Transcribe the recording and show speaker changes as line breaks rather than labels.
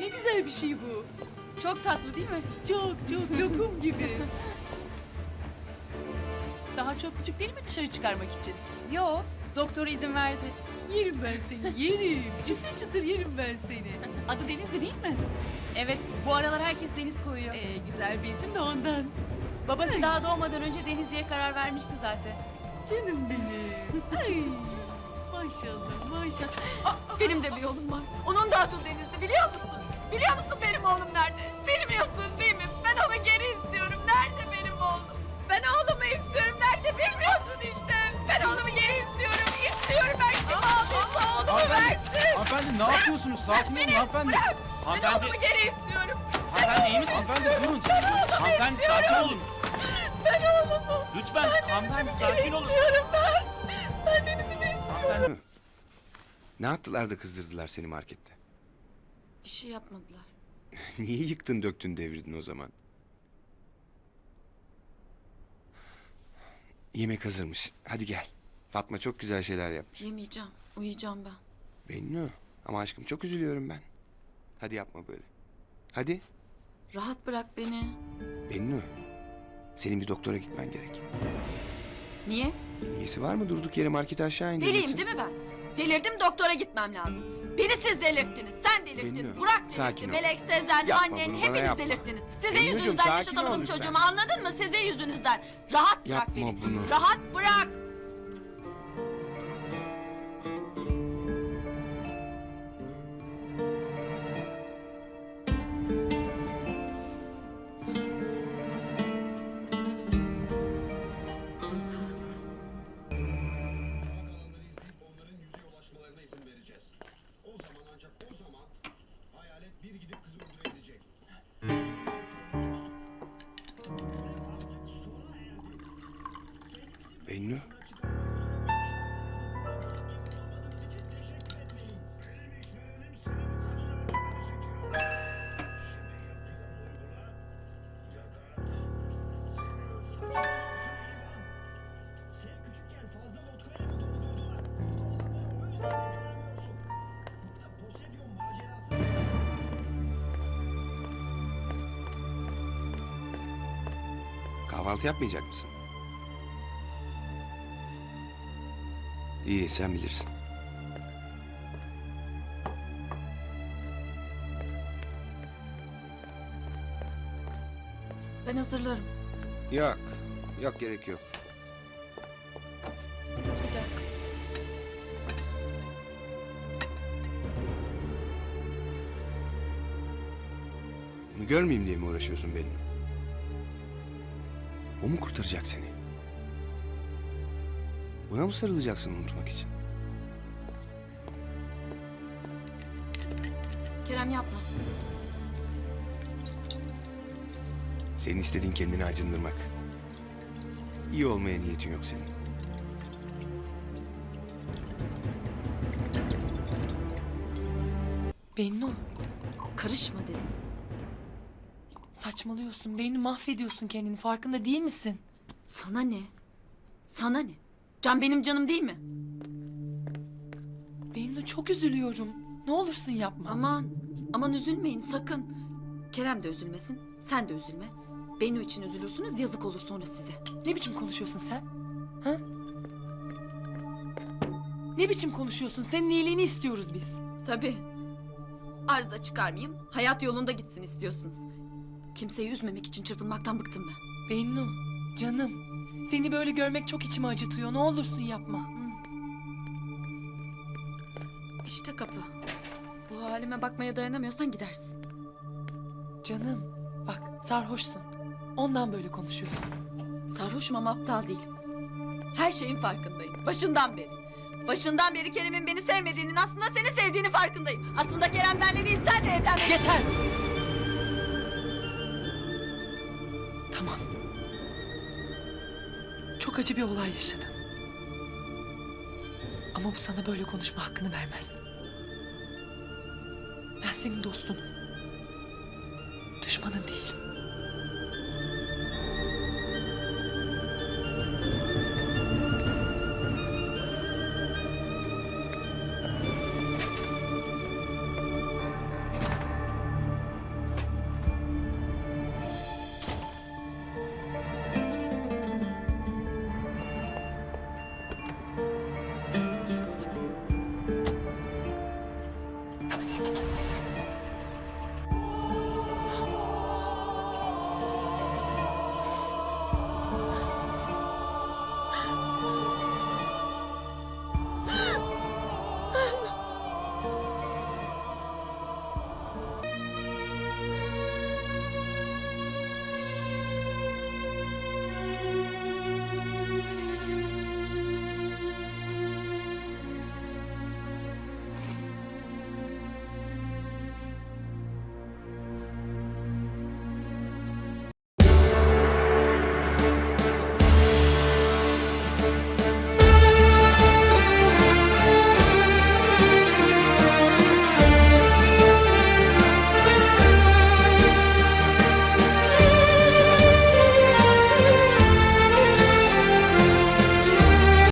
ne güzel bir şey bu.
Çok tatlı değil mi?
Çok çok lokum gibi. Daha çok küçük değil mi dışarı çıkarmak için?
Yo, doktor izin verdi.
Yerim ben seni, yerim. Çıtır çıtır yerim ben seni. Adı Denizli değil mi?
Evet, bu aralar herkes Deniz koyuyor.
Güzel bir isim de ondan.
Babası daha doğmadan önce Deniz diye karar vermişti zaten.
Canım benim. Ay, maşallah maşallah.
Benim de bir oğlum var. Onun da adı Denizli, biliyor musun? Biliyor musun benim oğlum nerede? Bilmiyorsun değil mi? Ben onu geri istiyorum. Nerede benim oğlum? Ben oğlumu istiyorum. Nerede bilmiyorsun işte. Ben oğlumu geri istiyorum. İstiyorum ben kim aldıysa oğlumu versin.
Hanımefendi ne yapıyorsunuz? Sakin olun hanımefendi.
Bırak. Ben
Hanımefendi,
oğlumu geri istiyorum.
hanımefendi iyi misiniz? Hanımefendi durun. Hanımefendi sakin olun.
Ben oğlumu.
Lütfen hanımefendi sakin olun.
İstiyorum ben. Ben Deniz'imi istiyorum.
Hanımefendi.
Ne yaptılar da kızdırdılar seni markette?
Bir şey yapmadılar.
Niye yıktın döktün devirdin o zaman? Yemek hazırmış. Hadi gel. Fatma çok güzel şeyler yapmış.
Yemeyeceğim. Uyuyacağım ben.
Bennu. Ama aşkım çok üzülüyorum ben. Hadi yapma böyle. Hadi.
Rahat bırak beni.
Bennu. Senin bir doktora gitmen gerek.
Niye?
İyisi var mı? Durduk yere markete aşağı indirirsin.
Deliyim değil mi ben? Delirdim, doktora gitmem lazım. Beni siz delirttiniz, sen delirttin.
Bennu,
Burak
sakin
delirtti,
ol.
Melek, Sezen,
Yapma
annen
bunu, bana
hepiniz
yapma.
delirttiniz. Sizin
Bennucuğum,
yüzünüzden
sakin ol
yaşatamadım
lütfen.
çocuğumu, anladın mı? Sizin yüzünüzden. Rahat bırak
Yapma
beni.
bunu.
Rahat bırak.
Onların yüzeye ulaşmalarına izin vereceğiz. O zaman ancak o zaman hayalet bir gidip kızı öldürebilecek.
Bennu.
Sen küçükken fazla vodkayla mı doldurdular? Dolanları o yüzden beceremiyorsun. Burada Poseidon macerası...
Kahvaltı yapmayacak mısın? İyi sen bilirsin.
Ben hazırlarım.
Yok. Yok gerek yok.
Bir dakika.
Bunu görmeyeyim diye mi uğraşıyorsun benimle? O mu kurtaracak seni? Buna mı sarılacaksın unutmak için?
Kerem yapma.
Senin istediğin kendini acındırmak. İyi olmaya niyetin yok senin.
Bennu,
Karışma dedim.
saçmalıyorsun. Beni mahvediyorsun kendini. Farkında değil misin?
Sana ne? Sana ne? Can benim canım değil mi?
Bennu çok üzülüyorum. Ne olursun yapma.
Aman üzülmeyin sakın. Kerem de üzülmesin, sen de üzülme. Bennu için üzülürsünüz, yazık olur sonra size.
Ne biçim konuşuyorsun sen? Ha? Ne biçim konuşuyorsun? Senin iyiliğini istiyoruz biz.
Tabii. Arıza çıkarmayayım, hayat yolunda gitsin istiyorsunuz. Kimseyi üzmemek için çırpınmaktan bıktım ben.
Bennu, canım. Seni böyle görmek çok içimi acıtıyor. Ne olursun yapma.
İşte kapı. Bu halime bakmaya dayanamıyorsan gidersin.
Canım, bak sarhoşsun. Ondan böyle konuşuyorsun.
Sarhoşum ama aptal değilim. Her şeyin farkındayım, başından beri. Başından beri Kerem'in beni sevmediğinin, aslında seni sevdiğinin farkındayım. Aslında Kerem benle değil, senle evlenmek...
Yeter! Tamam. Çok acı bir olay yaşadın. Ama bu sana böyle konuşma hakkını vermez. Ben senin dostunum. Düşmanın değilim.